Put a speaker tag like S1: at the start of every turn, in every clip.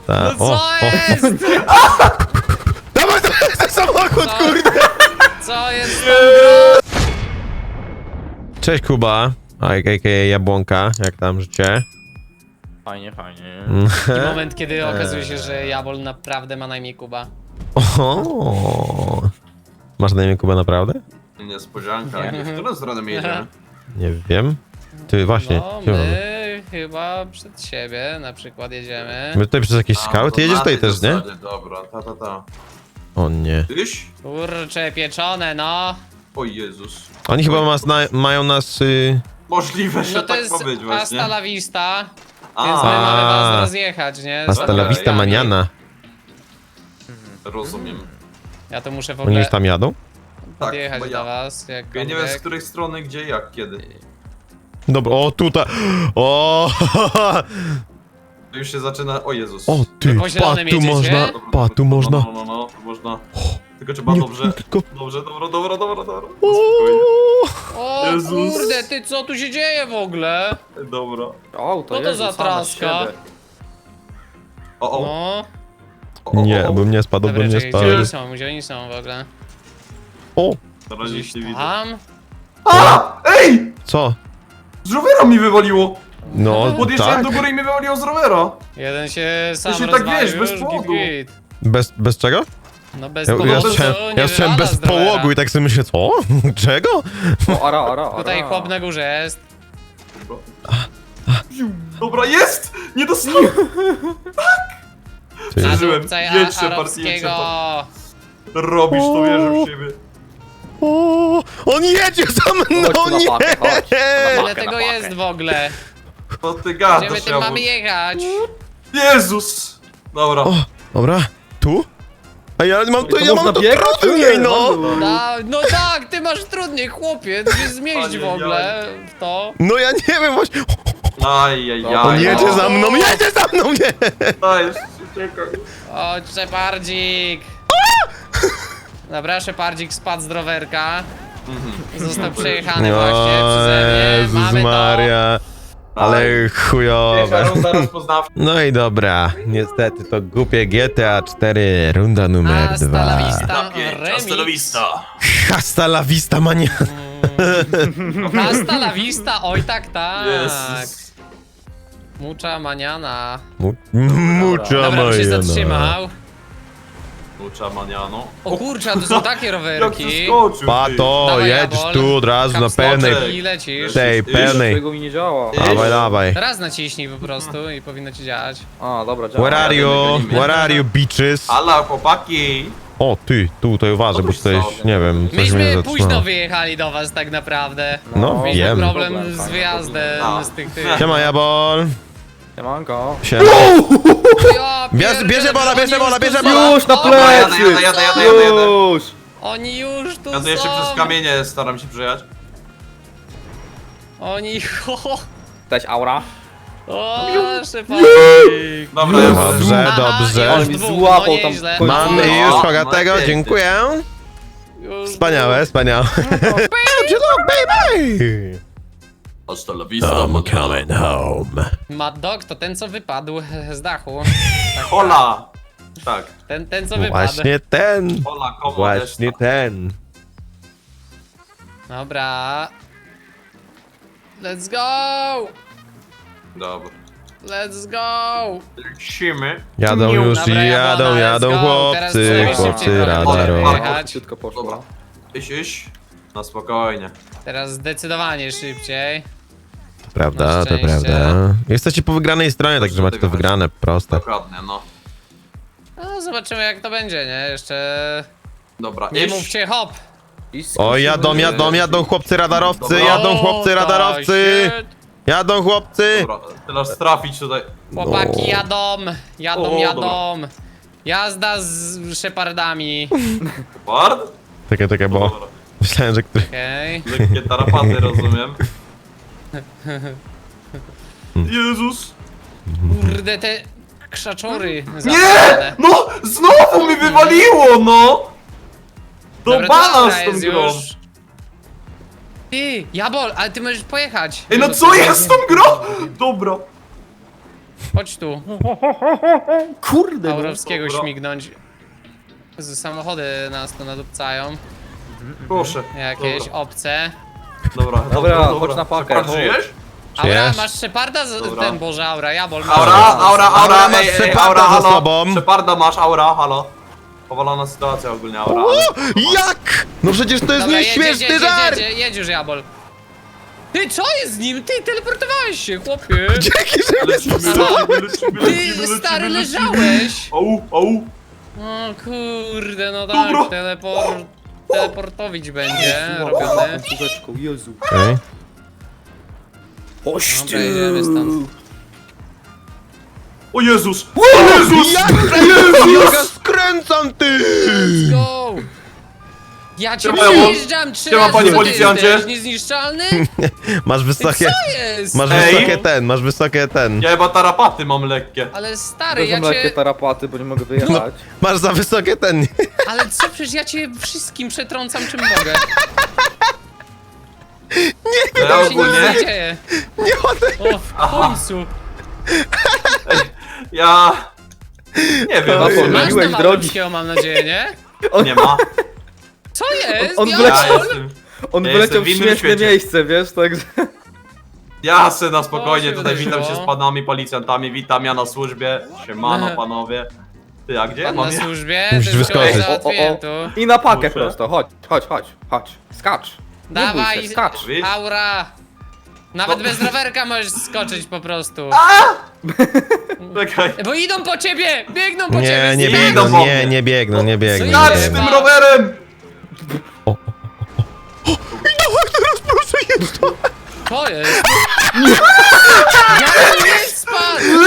S1: Ta.
S2: No co jest?
S1: Dawaj, to jest ten samochód,
S2: Co?
S1: kurde!
S2: Co jest tam grą?
S1: Cześć, Kuba. A.k.a. Jabłonka, jak tam życie?
S3: Fajnie, fajnie.
S2: Taki moment, kiedy okazuje się, że Jabol naprawdę ma na imię Kuba.
S1: O. Masz na imię Kuba naprawdę?
S4: Niespodzianka. W którą stronę my jedziemy?
S1: Nie wiem. Ty właśnie.
S2: No,
S1: gdzie mamy?
S2: my chyba przed siebie na przykład jedziemy.
S1: My tutaj przez jakieś skały? Ty jedziesz tutaj też, nie?
S4: Dobra, ta.
S1: O nie.
S4: Tyś?
S2: Kurcze, pieczone, no.
S4: O Jezus.
S1: Oni chyba mają nas...
S4: Możliwe, że
S2: No to
S4: tak
S2: jest
S4: powiedzieć właśnie.
S2: hasta la vista, więc
S4: A,
S2: my mamy was rozjechać, nie? Z
S1: Hasta la
S4: Okej.
S1: vista maniana.
S4: rozumiem.
S2: Ja to muszę w
S1: Oni
S2: ogóle
S1: już tam jadą?
S4: Tak,
S2: podjechać
S4: bo
S2: do
S4: ja.
S2: was,
S4: Ja nie wiem z której strony, gdzie, jak, kiedy.
S1: Dobra, o tutaj. O,
S4: To już się zaczyna... O Jezus.
S1: o ty,
S2: Po
S1: pa,
S2: zielonym
S1: tu
S2: jedziecie?
S1: można, pa, tu można.
S4: No, tu można. Tylko trzeba
S1: Nie,
S4: dobrze.
S1: tylko...
S4: Dobrze, dobra.
S1: O,
S4: Spokojnie.
S2: O
S4: Jezus.
S2: kurde, ty co tu się dzieje w ogóle?
S4: Dobra.
S3: O,
S2: Co to
S3: Jezus,
S2: za
S3: same z
S2: traska?
S3: siebie.
S4: O.
S2: No,
S1: Nie, bym nie spadł,
S2: dobra,
S1: bym nie
S2: czekaj,
S1: spadł.
S2: gdzie oni są w ogóle?
S1: O,
S4: Na razie
S2: Gdzieś
S4: nie widzę.
S2: tam?
S4: A! Ej!
S1: co?
S4: Z rowera mi wywaliło!
S1: No,
S4: Podjeżdżałem
S1: tak.
S4: do góry i mnie wywaliło z rowera!
S2: Jeden się sam
S4: się tak,
S2: rozwalił,
S4: wiesz, bez
S2: już
S4: powodu.
S2: git.
S1: Bez czego?
S2: No bez
S1: Ja
S2: powodu,
S1: słyszałem,
S2: nie
S1: ja słyszałem
S2: wywala
S1: bez
S2: z drowera.
S1: połogu i tak sobie myślę, co? Czego?
S3: O, ara.
S2: Tutaj chłop na górze jest.
S4: Dobra, jest! Nie dostałem!
S1: Ty.
S4: Przeżyłem.
S2: Nadupcaj
S4: Jedź, Shepard,
S2: arabskiego.
S4: Robisz to, wierzę w siebie.
S1: O, on jedzie za mną,
S3: Chodź tu na
S1: nie!
S3: pakę, chodź.
S2: Ile
S3: Pakę
S2: tego
S3: na pakę.
S2: jest w ogóle?
S4: To ty
S2: Gdzie my
S4: gadasz,
S2: tym mamy jechać?
S4: Jezus! Dobra.
S1: O, dobra, tu? A ja mam
S3: To
S1: ja
S3: można
S1: mam to
S3: biegać?
S1: trudniej, no!
S2: No tak, ty masz trudniej, chłopie, ty się zmieść w ogóle w to.
S1: No ja nie wiem właśnie.
S4: Ajajaj.
S1: On jedzie za mną, nie!
S4: Dajesz, czekaj.
S2: Chodź, Szepardzik. Dobra, Szepardzik spadł z rowerka. Został przejechany właśnie przeze mnie.
S1: Jezus
S2: Mamy
S1: Maria. Ale
S4: Pierwsza
S1: chujowe.
S4: runda rozpoznawcza.
S1: No i dobra, niestety to głupie GTA 4, runda
S2: to.
S1: numer
S2: Hasta la
S1: 2.
S2: vista, remix.
S1: Hasta la vista, mania.
S2: Hasta la vista, oj tak, tak.
S4: Jezus.
S2: Mucha maniana.
S1: Mucha
S2: Dobra, on się
S1: majana.
S2: zatrzymał.
S4: Ucza maniano.
S2: O kurczę, to są takie
S4: Jak
S2: rowerki.
S4: przeskoczył,
S1: Pato,
S2: Dawaj,
S1: jedź
S2: Jabol.
S1: tu od razu na
S2: Kapstoczek
S1: pełnej.
S2: I lecisz.
S1: Tej pełnej.
S3: Tego mi nie działa.
S1: Dawaj, dawaj.
S2: Raz naciśnij po prostu i powinno ci działać.
S3: A, dobra, działa.
S1: Where are you?
S4: gonimy.
S1: Where are you, bitches?
S4: Ala, chłopaki!
S1: O, ty, tutaj uważaj, bo tutaj, nie wiem, coś mnie
S2: Myśmy
S1: zatrzymało.
S2: późno wyjechali do was tak naprawdę.
S1: No,
S2: Mieliśmy
S1: wiem.
S2: problem z
S3: Fajny
S2: wyjazdem
S4: problem.
S2: z tych...
S1: Siema, Jabol.
S3: Siemanko.
S1: Siema.
S2: Ja
S1: Bierze bola,
S2: oni
S1: bierze bola,
S2: już tu
S1: bierze
S2: są.
S1: bola.
S3: Już na
S2: O,
S3: plecy!
S4: jadę.
S3: Już!
S2: Oni już tu
S4: Ja jeszcze
S2: są.
S4: przez kamienie staram się przejechać.
S2: Oni...
S3: Cześć, aura.
S2: O, Szepardzik.
S4: Dobra,
S1: Dobrze,
S2: Aha,
S1: dobrze.
S2: już
S3: mi
S2: dwóch,
S3: złapał
S2: no
S3: tam
S2: nieźle.
S3: końcówkę.
S1: Mamy
S4: No,
S1: już
S4: no
S1: Hogatego,
S4: pięknie.
S1: dziękuję.
S2: Już
S1: Wspaniałe, wspaniałe. Good luck, baby!
S4: Hasta la vista,
S1: I'm coming home.
S2: dwóch. Mad Dog to ten, co wypadł z dachu.
S4: Hola! Tak.
S2: Ten co wypadł.
S1: Właśnie ten.
S4: Hola, komo
S1: Właśnie ten.
S2: Dobra. Let's go!
S4: Dobra.
S2: Let's go!
S4: Lecimy.
S1: Jadą już,
S2: Dobra,
S1: jadą,
S2: let's
S1: jadą
S2: go. Teraz
S1: chłopcy,
S2: sobie
S1: chłopcy
S2: szybciej
S1: radarowi.
S2: trochę jechać.
S3: Szybko poszło.
S4: Dobra. Iść. Na spokojnie.
S2: Teraz zdecydowanie szybciej.
S1: To prawda,
S2: Na
S1: to
S2: szczęście.
S1: prawda. Jesteście po wygranej stronie, także macie to wygrane, proste.
S4: Dokładnie, no.
S2: No zobaczymy jak to będzie, nie? Jeszcze...
S4: Dobra,
S2: Nie
S4: iść.
S2: mówcie hop!
S1: O, jadą chłopcy radarowcy,
S4: Dobra.
S1: jadą chłopcy
S2: O,
S1: radarowcy!
S2: shit.
S1: Jadą chłopcy!
S4: Dobra, teraz trafić tutaj.
S2: Chłopaki
S1: No.
S2: jadą. Jazda z szepardami.
S4: Bard?
S1: Czekaj, bo
S4: Dobra.
S1: myślałem, że który...
S2: Okej.
S4: Lekkie tarapaty, rozumiem. Jezus!
S2: Kurde, te krzaczory.
S4: Nie!
S2: zapalone.
S4: No! Znowu mi wywaliło, no! Do
S2: Dobra,
S4: bana
S2: dobra
S4: z tą
S2: jest
S4: grą!
S2: już. Ty, Jabol, ale ty możesz pojechać.
S4: Ej, no co jest z tą grą? Dobra.
S2: Chodź tu.
S3: Kurde, no.
S2: Aurowskiego
S4: Dobra.
S2: śmignąć. Jezu, samochody nas tu nadupcają.
S4: Proszę.
S2: Jakieś
S4: Dobra.
S2: obce.
S4: Dobra,
S3: chodź na pakę,
S4: Shepard,
S3: chodź.
S4: żyjesz?
S2: Aura,
S1: Jest.
S2: masz Sheparda?
S4: Dobra.
S2: Ten, Boże, Aura, Jabol.
S4: Aura,
S1: masz
S4: ej,
S1: Sheparda
S4: Aura,
S1: za
S4: halo.
S1: sobą.
S4: Sheparda masz, Aura, halo. Powalona sytuacja ogólnie, Aura.
S1: Jak? No przecież to jest
S2: Dobra,
S1: nieśmieszny żart!
S2: jedź już, Jabol. Ty, co jest z nim? Ty teleportowałeś się, chłopie.
S1: Dzięki, że mnie
S2: Ty, stary, leżałeś.
S4: Au.
S2: O kurde, no
S4: Dobra.
S2: tak, teleportowić będzie robione.
S3: Kółeczką, Jezu.
S1: Okej.
S3: Oś
S2: Dobra, jedziemy stąd.
S4: O Jezus! O Jezus!
S1: Jaka skręcam, ty!
S2: Let's go! Ja cię
S4: Siema,
S2: przejeżdżam 3
S4: siema,
S2: razy,
S4: panie
S2: co ty
S4: policjancie.
S2: jesteś niezniszczalny?
S1: Masz wysokie...
S2: Co jest?
S1: Masz
S4: Ej.
S1: wysokie ten, masz wysokie ten.
S4: Ja chyba tarapaty mam lekkie.
S2: Ale stary, ja
S3: Wezmę lekkie
S2: cię...
S3: tarapaty, bo nie mogę wyjechać.
S1: Masz za wysokie ten.
S2: Ale co, przecież ja cię wszystkim przetrącam czym mogę.
S4: Ja
S2: Tam się nic
S4: ogólnie,
S2: nie dzieje.
S1: Nie ode...
S2: O, w końcu.
S4: ja... Nie wiem,
S1: Oj.
S4: na co
S2: Masz
S3: Pomyliłeś
S2: tam
S3: drogi.
S2: Aurowskiego, mam nadzieję, nie?
S4: nie ma.
S2: Co jest?
S3: On
S2: Ja-
S3: wleciał.
S4: Ja jestem...
S3: On
S4: Ja
S3: wyleciał
S4: jestem w
S3: w
S4: innym
S3: śmieszne
S4: świecie.
S3: miejsce, wiesz, także...
S4: Ja se na spokojnie
S2: O, się
S4: tutaj witam
S2: wydarzyło.
S4: się z panami policjantami, witam ja na służbie. Siemano panowie. Ty, a gdzie
S2: Pan
S4: mam
S2: na
S4: ja?
S2: służbie,
S1: Musisz
S2: to
S1: wyskoczyć.
S2: już załatwiłem tu.
S3: I na pakę
S4: Muszę.
S3: prosto, chodź. Skacz. Nie bój
S2: Dawaj,
S3: się, skacz.
S4: Wiesz?
S2: Aura! Nawet
S4: No.
S2: bez rowerka możesz skoczyć po prostu.
S4: Czekaj.
S2: Bo idą po ciebie! Biegną po
S1: Nie,
S2: ciebie!
S1: nie
S2: skacz!
S1: biegną,
S4: Idą po
S1: nie,
S4: mnie.
S1: nie biegną, nie biegną. nie
S4: Skacz z
S1: biegną.
S4: tym rowerem!
S2: To jest! Ja nie spadł!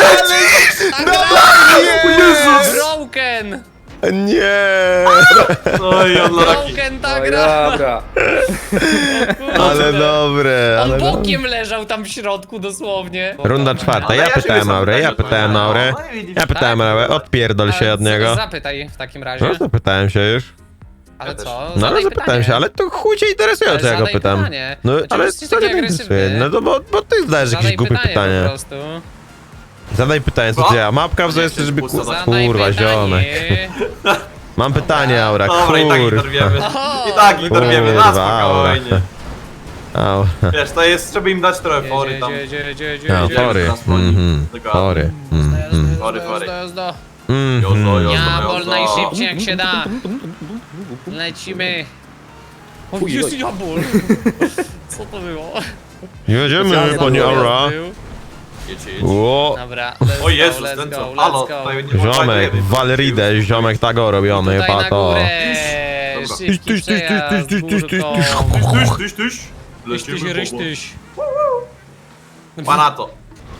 S4: O Jezus!
S2: Broken!
S1: Nie!
S4: Oj, unlucky.
S2: Broken ta
S3: No i
S2: gra!
S3: dobra.
S1: Ale dobre,
S2: On
S1: ale dobre.
S2: bokiem leżał tam w środku dosłownie.
S1: Runda czwarta,
S4: Ale
S1: ja
S4: się
S1: pytałem
S4: sam
S1: Aurę, ja
S4: pytałem,
S1: pytałem
S4: no,
S1: Aurę.
S4: no i widzisz,
S1: Ja pytałem
S2: tak?
S1: Aurę, odpierdol się
S2: Ale
S1: od niego.
S2: Zapytaj w takim razie.
S1: No zapytałem się już.
S2: Ale
S4: też.
S2: co?
S1: No ale
S2: Zadaj
S1: zapytałem
S2: pytanie.
S1: się, ale to chuj cię interesuje,
S2: Ale
S1: czy ja go
S2: zadaj
S1: pytam.
S2: pytanie.
S1: No
S2: Dlaczego
S1: ale
S2: jesteś
S1: co
S2: taki
S1: mnie interesuje?
S2: agresywny?
S1: No to bo ty zadajesz jakieś
S2: Zadaj
S1: głupie
S2: pytanie po
S1: pytania.
S2: prostu.
S1: Zadaj pytanie, co
S4: Co?
S1: ty ja? Mapka w
S4: Nie,
S1: jest, żeby
S4: pusta za-
S2: Zadaj
S1: kurwa,
S2: pytanie.
S1: ziomek. Mam pytanie, Aura,
S4: Dobra, i tak
S1: kurwa.
S4: interwiemy.
S2: O,
S4: I tak interwiemy, na
S1: Kurwa, Aura.
S4: spokojnie.
S1: Aura.
S4: Wiesz, to jest, trzeba im dać trochę fory tam.
S1: No,
S4: Jedzie.
S1: fory.
S4: Teraz broni.
S1: Mhm.
S4: Dokładnie.
S1: Fory. Mhm.
S4: Fory.
S2: Jazda.
S1: Mhm.
S2: Jabol najszybciej jak się da. Lecimy. O,
S3: Fuj,
S2: jest
S3: oj.
S2: jabol. Co to było?
S1: Jedziemy,
S3: Specjalny
S1: panie
S3: nabój.
S1: Aura.
S4: Jedź.
S1: O,
S2: Dobra,
S4: O Jezus,
S2: let's
S4: ten
S2: go,
S4: co?
S2: let's
S4: Halo,
S2: go.
S4: tutaj nie
S1: ziomek,
S4: fajnie.
S1: Walridę, ziomek tago robiony,
S2: Tutaj na
S1: pato.
S2: górę.
S4: Dobra.
S2: Szybki
S1: Tyś, tyś, tyś,
S2: przejazd
S1: tyś, tyś, tyś,
S2: górką.
S4: Tyś.
S2: Tyś,
S4: Lecimy,
S2: ryś,
S4: Bobo.
S2: tyś.
S4: Panato.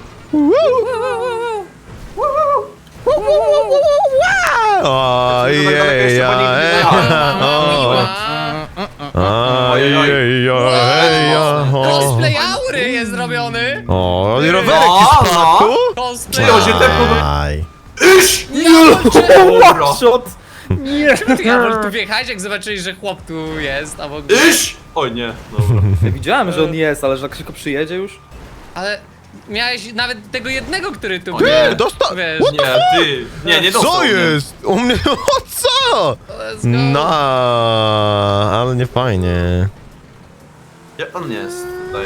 S1: Ojej,
S2: Cosplay Aury jest zrobiony.
S1: O, i rowerek
S4: No,
S1: ci spadł?
S2: Cosplay
S4: Ty, on się tepnął do...
S1: Aj.
S4: Dobra.
S3: Shot! Nie!
S2: Ty Jabol tu wjechałeś, jak zobaczyli, że chłop tu jest, a w ogóle...
S4: Iść! O nie, dobra.
S3: Ja widziałem, że on jest, ale że jak szybko przyjedzie już?
S2: Ale miałeś nawet tego jednego, który tu
S4: O
S2: był.
S4: nie.
S1: Dostał...
S2: Wiesz,
S4: Nie, ty. Nie dostał.
S1: Co
S4: mnie.
S1: jest? U mnie... O co?
S2: let's go.
S1: No, ale nie fajnie.
S4: Jak on jest tutaj?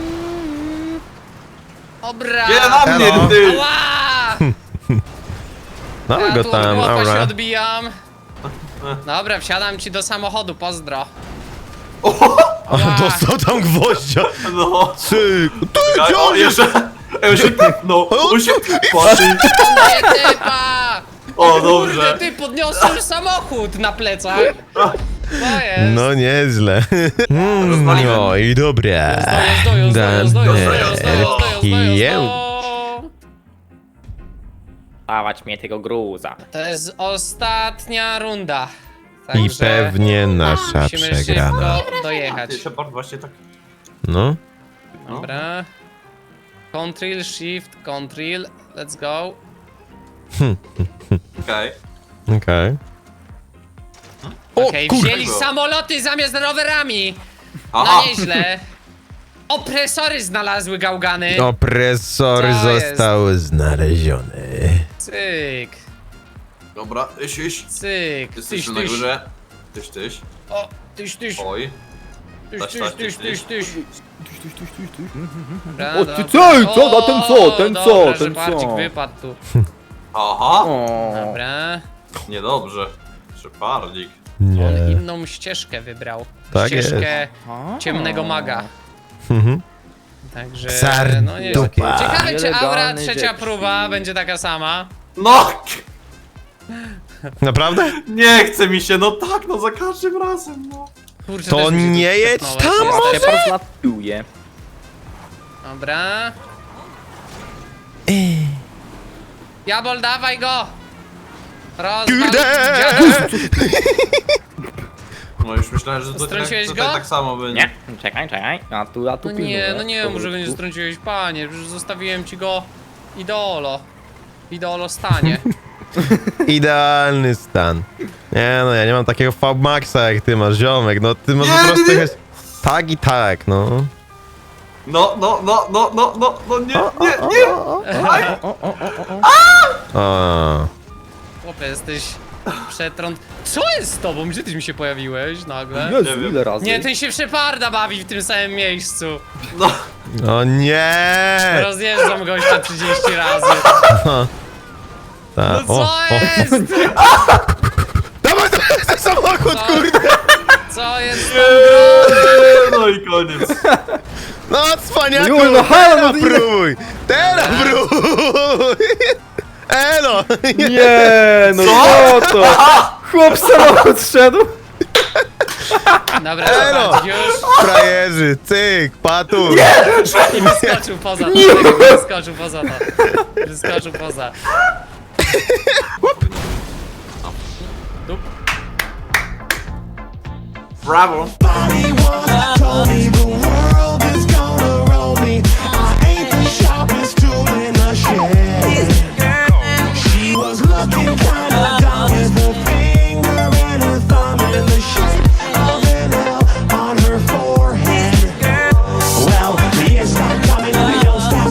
S2: Dobra.
S4: Nie, na mnie,
S1: Elo.
S4: ty!
S2: Ła!
S1: Dawaj
S2: Ja
S1: go
S2: tu
S1: tam,
S2: od chłopa się
S1: Aura.
S2: odbijam. Dobra, wsiadam ci do samochodu, pozdro.
S4: O,
S1: Dostał tam gwoździa.
S4: no.
S1: Cyk. Ty, gdzie
S4: O,
S1: on jest?
S4: jeszcze. On się tepnął. On się tepnął.
S2: Nie typa!
S4: O,
S2: Kurde,
S4: dobrze.
S2: ty podniosłeś samochód na plecach. To jest.
S1: No nieźle.
S4: Rozwaliłem.
S1: No i dobre.
S3: Dawać mnie tego gruza.
S2: To jest ostatnia runda.
S1: I
S2: Także
S1: pewnie nasza
S2: musimy
S1: przegrana.
S2: szybko dojechać.
S4: Ty, Shepard właśnie tak...
S1: No.
S2: Dobra. Control, shift, control. Let's go.
S4: Okej.
S1: Okej.
S2: Okej,
S1: kurde.
S2: wzięli samoloty zamiast rowerami. No
S4: Aha.
S2: nieźle. Opresory znalazły gałgany.
S1: Opresor
S2: Co jest?
S1: został znaleziony.
S2: Cyk,
S4: Dobra, iść.
S2: cyk.
S4: Jesteś
S2: Tyś,
S4: tu na
S2: tyś.
S4: górze. Tyś.
S2: O, tyś.
S4: Oj.
S2: Tyś.
S3: O, ty co? A ten co? Ten co?
S2: Dobra, że
S3: Ten
S2: Barcik
S3: co?
S2: wypadł tu.
S4: Aha.
S3: O.
S2: Dobra.
S4: Niedobrze. Szepardzik.
S2: On
S1: Nie.
S2: inną ścieżkę wybrał.
S1: Tak
S2: Ścieżkę
S3: A.
S2: ciemnego maga.
S1: Mhm.
S2: Także,
S1: Sardupa.
S2: no nie ciekawe, czy aura
S3: Nielegalny
S2: trzecia
S3: dzieci.
S2: próba będzie taka sama.
S4: No!
S1: Naprawdę?
S4: Nie chce mi się, no tak, no za każdym razem, no.
S2: Kurczę,
S1: To
S2: też mi się
S1: nie
S2: tu
S1: jedź
S2: wtepnąłeś.
S1: tam,
S2: Jest.
S1: może?
S3: Shepard zlatuje.
S2: Dobra. Jabol, dawaj go! Rozwal
S1: Kurde!
S2: dziada.
S4: No już myślałem, że
S2: Strąciłeś
S4: tutaj
S2: go?
S4: tak samo będzie.
S3: Nie, czekaj. A tu
S2: No
S3: pilnuję.
S2: nie, no nie, może go nie
S3: Tu.
S2: strąciłeś, panie. Już zostawiłem ci go idolo. Idolo stanie.
S1: Idealny stan. Nie no, ja nie mam takiego Fabmaxa jak ty masz, ziomek. No ty masz
S4: Nie,
S1: po prostu
S4: nie.
S1: jechać tak i tak, no.
S4: No, nie. Aj.
S1: O.
S2: Chłopie, jesteś przetrąd... Co jest z tobą? Gdzie ty mi się pojawiłeś nagle?
S3: Jezu,
S4: Nie wiem.
S3: ile razy?
S2: Nie, ten się Sheparda bawi w tym samym miejscu.
S4: No.
S1: O nie!
S2: Rozjeżdżam gościa 30 razy.
S1: Ta,
S2: No co jest?
S1: Dawaj, ten samochód,
S2: Co?
S1: kurde!
S2: Co jest z tą grą?
S4: No i koniec.
S1: No cwaniaku,
S3: Już, no halo,
S1: teraz
S3: no ile-
S1: próbuj! Teraz próbuj! Elo!
S3: Nie, no co to? Chłop samochód szedł.
S2: Dobra,
S1: Elo!
S2: Shepardik już.
S1: Frajerzy, cyk, patu!
S2: I wyskoczył poza to. Wyskoczył poza to. Wyskoczył poza.
S4: Brawo.
S5: Told me